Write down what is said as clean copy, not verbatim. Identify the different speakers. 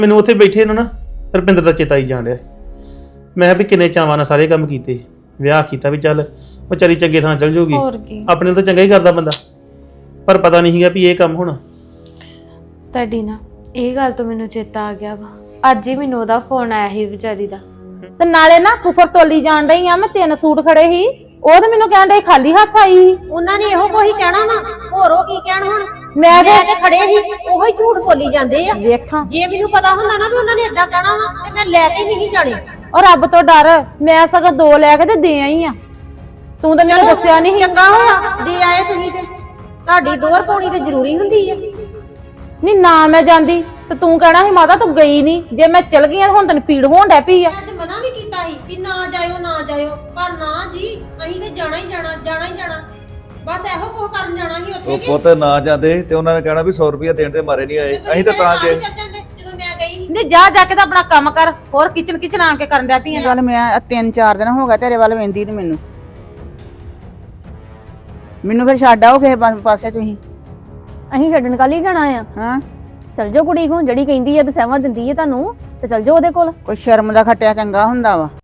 Speaker 1: ਮੈਨੂੰ ਉੱਥੇ ਬੈਠੇ ਨੂੰ ਨਾ ਰੁਪਿੰਦਰ ਦਾ ਚੇਤਾ ਹੀ ਜਾਣ ਰਿਹਾ। ਮੈਂ ਕਿਹਾ ਵੀ ਕਿੰਨੇ ਚਾਵਾਂ ਨਾਲ ਸਾਰੇ ਕੰਮ ਕੀਤੇ, ਵਿਆਹ ਕੀਤਾ ਵੀ ਚੱਲ ਵਿਚਾਰੀ ਚੰਗੇ ਥਾਂ ਚਲ ਜਾਊਗੀ,
Speaker 2: ਹੋਰ ਕੀ
Speaker 1: ਆਪਣੇ ਤਾਂ ਚੰਗਾ ਹੀ ਕਰਦਾ ਬੰਦਾ, ਪਰ ਪਤਾ ਨਹੀਂ ਸੀਗਾ ਵੀ ਇਹ ਕੰਮ ਹੋਣਾ।
Speaker 2: ਤੁਹਾਡੀ ਨਾ ਇਹ ਗੱਲ ਤੋਂ ਮੈਨੂੰ ਚੇਤਾ ਆ ਗਿਆ ਵਾ, ਅੱਜ ਹੀ ਮੈਨੂੰ ਉਹਦਾ ਫੋਨ ਆਇਆ ਸੀ ਵਿਚਾਰੀ ਦਾ।
Speaker 3: ਤੇ ਨਾਲੇ ਨਾ ਕੁਫਰ ਤੋਲੀ ਜਾਣ ਰਹੀ ਆ, ਮੈਂ 3 ਸੂਟ ਖੜੇ ਸੀ, ਉਹ ਤੇ ਮੈਨੂੰ ਕਹਿਣ ਡਈ ਖਾਲੀ ਹੱਥ ਆਈ ਸੀ।
Speaker 4: ਉਹਨਾਂ ਨੇ ਇਹੋ ਕੋਈ ਕਹਿਣਾ ਵਾ, ਹੋਰ ਉਹ ਕੀ ਕਹਿਣ ਹੁਣ।
Speaker 3: ਮੈਂ
Speaker 4: ਤੇ ਖੜੇ ਸੀ, ਉਹੋ ਹੀ ਝੂਠ ਬੋਲੀ ਜਾਂਦੇ ਆ।
Speaker 3: ਵੇਖਾਂ
Speaker 4: ਜੇ ਮੈਨੂੰ ਪਤਾ ਹੁੰਦਾ ਨਾ ਵੀ ਉਹਨਾਂ ਨੇ ਏਦਾਂ ਕਹਿਣਾ ਵਾ ਤੇ ਮੈਂ ਲੈ ਕੇ ਨਹੀਂ ਜਾਣੀ।
Speaker 3: ਔਰ ਰੱਬ ਤੋਂ ਡਰ ਮੈਂ ਸਗੋਂ 2 ਲੈ ਕੇ ਤੇ ਦੇ ਆਈ ਆ, ਤੂੰ ਤਾਂ ਮੈਨੂੰ ਦੱਸਿਆ ਨਹੀਂ।
Speaker 4: ਚੰਗਾ ਹੋਇਆ ਦੇ ਆਏ ਤੁਸੀਂ, ਤੇ ਤੁਹਾਡੀ ਦੋਹਰ ਪਾਉਣੀ ਤੇ ਜ਼ਰੂਰੀ ਹੁੰਦੀ ਆ।
Speaker 3: ਨਹੀਂ ਨਾ ਮੈਂ ਜਾਂਦੀ ਤੇ ਤੂੰ ਕਹਿਣਾ ਸੀ ਮਾਤਾ ਤੂੰ ਗਈ ਨਹੀਂ, ਜੇ ਮੈਂ ਚਲ ਗਈ ਹੁਣ ਤੈਨੂੰ ਪੀੜ ਹੋਣ ਡੈ ਪਈ ਆ।
Speaker 4: ਅੱਜ ਮਨਾ ਵੀ ਕੀਤਾ ਸੀ ਕਿ ਨਾ ਜਾਇਓ ਨਾ ਜਾਇਓ, ਪਰ ਨਾ ਜੀ ਅਸੀਂ ਤੇ ਜਾਣਾ ਹੀ ਜਾਣਾ, ਜਾਣਾ ਹੀ ਜਾਣਾ, ਬਸ ਇਹੋ ਕੁਝ ਕਰਨ ਜਾਣਾ ਸੀ ਉੱਥੇ।
Speaker 5: ਉਹ ਪੁੱਤ ਨਾ ਜਾਂਦੇ ਤੇ ਉਹਨਾਂ ਨੇ ਕਹਿਣਾ ਵੀ 100 ਰੁਪਇਆ ਦੇਣ ਤੇ ਮਾਰੇ ਨਹੀਂ ਆਏ, ਅਸੀਂ ਤਾਂ ਗਏ।
Speaker 4: ਜਦੋਂ ਮੈਂ ਗਈ ਸੀ
Speaker 3: ਨਹੀਂ ਜਾ ਜਾ ਕੇ ਤਾਂ ਆਪਣਾ ਕੰਮ ਕਰ, ਹੋਰ ਕਿਚਨ ਆਣ ਕੇ ਕਰਨ ਡੈ ਪਈ ਆ।
Speaker 6: ਗੱਲ ਮੈਂ 3-4 ਦਿਨ ਹੋ ਗਿਆ ਤੇਰੇ ਵੱਲ ਵੇਂਦੀ ਨੂੰ, ਮੈਨੂੰ ਫਿਰ ਛੱਡ ਆਓ ਕਿਸੇ ਪਾਸੇ ਤੁਸੀਂ।
Speaker 7: ਅਸੀਂ ਛੱਡਣ ਕੱਲ ਹੀ ਜਾਣਾ ਆ।
Speaker 6: ਹਾਂ
Speaker 7: ਚਲ ਜਾਓ ਕੁੜੀ ਕੋਲ, ਜਿਹੜੀ ਕਹਿੰਦੀ ਆ ਵੀ ਸਹਿਵਾ ਦਿੰਦੀ ਆ ਤੁਹਾਨੂੰ, ਤੇ ਚਲ ਜਾਓ ਉਹਦੇ ਕੋਲ।
Speaker 6: ਕੋਈ ਸ਼ਰਮ ਦਾ ਖੱਟਿਆ ਚੰਗਾ ਹੁੰਦਾ ਵਾ।